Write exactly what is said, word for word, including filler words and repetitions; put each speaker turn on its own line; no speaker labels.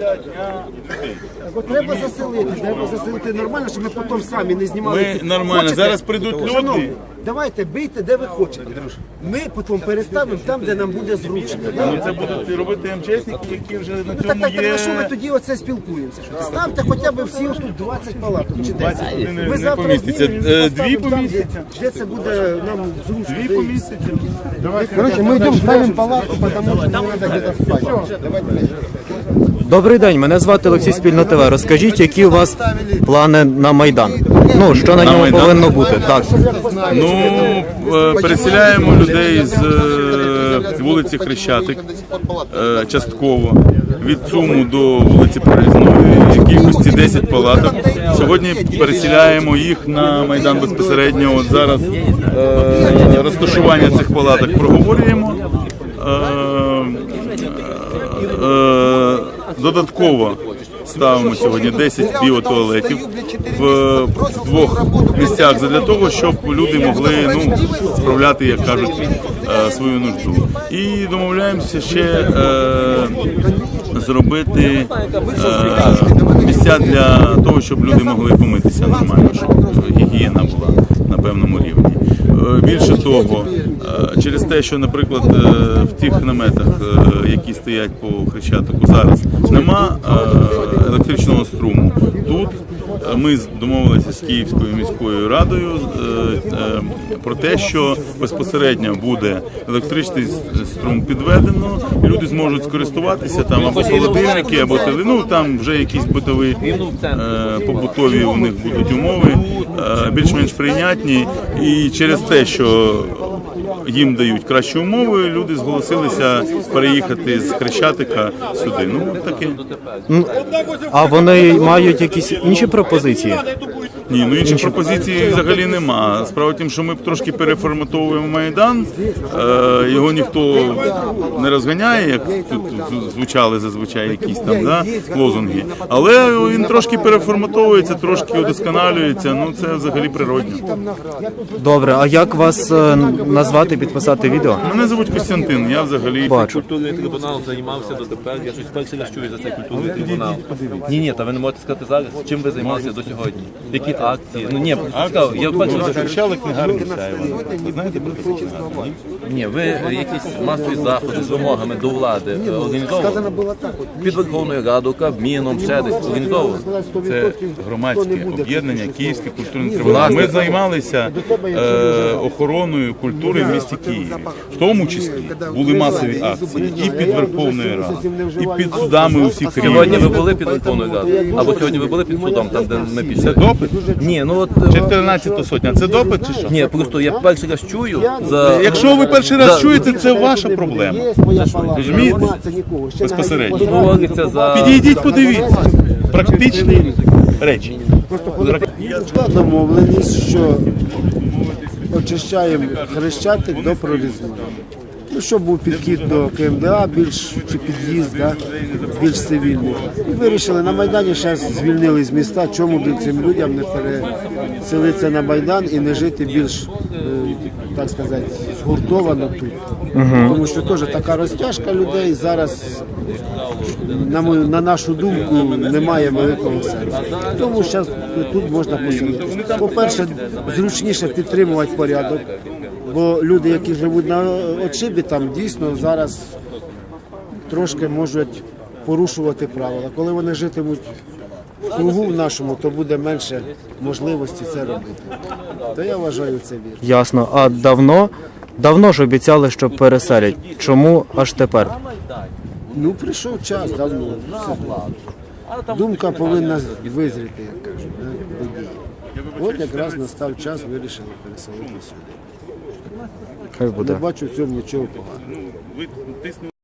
От треба заселити, треба заселити нормально, щоб ми потім самі не знімали.
Ми нормально,
Хочете?
зараз прийдуть люди.
Шановні, давайте бийте, де ви хочете. Ми потім переставимо там, де нам буде зручно.
Ну, це будуть робити МЧСники, які вже на
Ну, так,
цьому
так, так,
є.
на що ми тоді оце спілкуємося? Ставте хоча б всі отут двадцять палаток чи десять.
Не-
Ми
не
завтра
поміститься.
знімемо,
Е,
поставимо
дві
там, де-
поміститься.
Де це буде нам зручно.
Дві помісяці.
Короче, мы идем ставим палатку, потому что нам надо где-то спать.
Добрий день, мене звати Олексій Спільно ТВ. Розкажіть, які у вас плани на Майдан? Ну, що на ньому
Майдан?
повинно бути? Так.
Ну, е, переселяємо людей з е, вулиці Хрещатик е, частково від ЦУМу до вулиці Проїзної, кількості десять палаток. Сьогодні переселяємо їх на Майдан безпосередньо. От зараз е, розташування цих палаток проговорюємо. Е, е, додатково ставимо сьогодні десять біотуалетів в двох місцях для того, щоб люди могли ну, справляти, як кажуть, е, свою нужду. І домовляємося ще е, зробити е, місця для того, щоб люди могли помитися нормально, щоб гігієна була на певному рівні. Е, Більше того, е, через те, що, наприклад, е, в тих наметах, е, які стоять по Хрещатику зараз, нема е, електричного струму. Тут е, ми домовилися з Київською міською радою е, е, про те, що безпосередньо буде електричний струм підведено, і люди зможуть скористуватися там або холодильники, або теле, ну там вже якісь битові, е, побутові у них будуть умови, е, більш-менш прийнятні. І через те, що їм дають кращі умови, люди зголосилися переїхати з Хрещатика сюди. Ну, таке.
А вони мають якісь інші пропозиції?
Ні, ну інші пропозиції взагалі нема. Справа в тім, що ми трошки переформатовуємо Майдан, е, його ніхто не розганяє, як тут звучали зазвичай якісь там да, лозунги. Але він трошки переформатовується, трошки удосконалюється, ну це взагалі природньо.
Добре, а як вас е, назвати, підписати відео?
Мене звуть Костянтин, я взагалі...
Бачу.
Культурний трибунал займався дотепер. Я щось перший раз чую за цей культурний трибунал. Ні, ні, та ви не можете сказати зараз, чим ви займалися до сьогодні? Які акції? Ну ні, просто цікаво. Я перший раз чую.
Захищали книгарню Сяєва. Ви знаєте про таку книгарню?
Ні, ви якісь масові заходи з вимогами до влади е, організовували? Під Верховною Радою, Кабміном, ще десь організовували?
Це громадське об'єднання Київський культурний трибунал. Ми займалися е, охороною культури в місті Києві. В тому числі були масові акції і під Верховною Радою, і під судами усіх
Сьогодні ви
рівнів.
були під Верховною Радою? Або сьогодні ви були під судом, там, де ми
Це
пішли?
допит?
Ні, ну от...
чотирнадцята сотня. Це допит чи що?
Ні, просто я перший раз чую за...
Якщо ви перший раз
За-
чуєте, це ваша проблема. Розумієте? Безпосередньо.
Тут говориться за...
Підійдіть, подивіться. Практичні речі.
Домовленість, що очищаємо Хрещатик до Прорізної. Ну, щоб був підхід до КМДА, більш чи під'їзд, да, більш цивільний. І вирішили на Майдані, зараз звільнили з міста, чому б цим людям не переселитися на Майдан і не жити більш, е, так сказати, згуртовано тут. Тому що теж така розтяжка людей зараз, на, мою, на нашу думку, немає великого сенсу. Тому зараз тут можна поселитися. По-перше, зручніше підтримувати порядок. Бо люди, які живуть на отшибі, там дійсно зараз трошки можуть порушувати правила. Коли вони житимуть в кругу в нашому, то буде менше можливості це робити. То я вважаю це вірно.
Ясно. А давно? Давно ж обіцяли, що переселять. Чому аж тепер?
Ну, прийшов час давно. Думка повинна визріти, як кажуть, да, до дії. От якраз настав час, вирішили переселити сюди.
Хай
Не
буде.
бачу в цьому нічого поганого.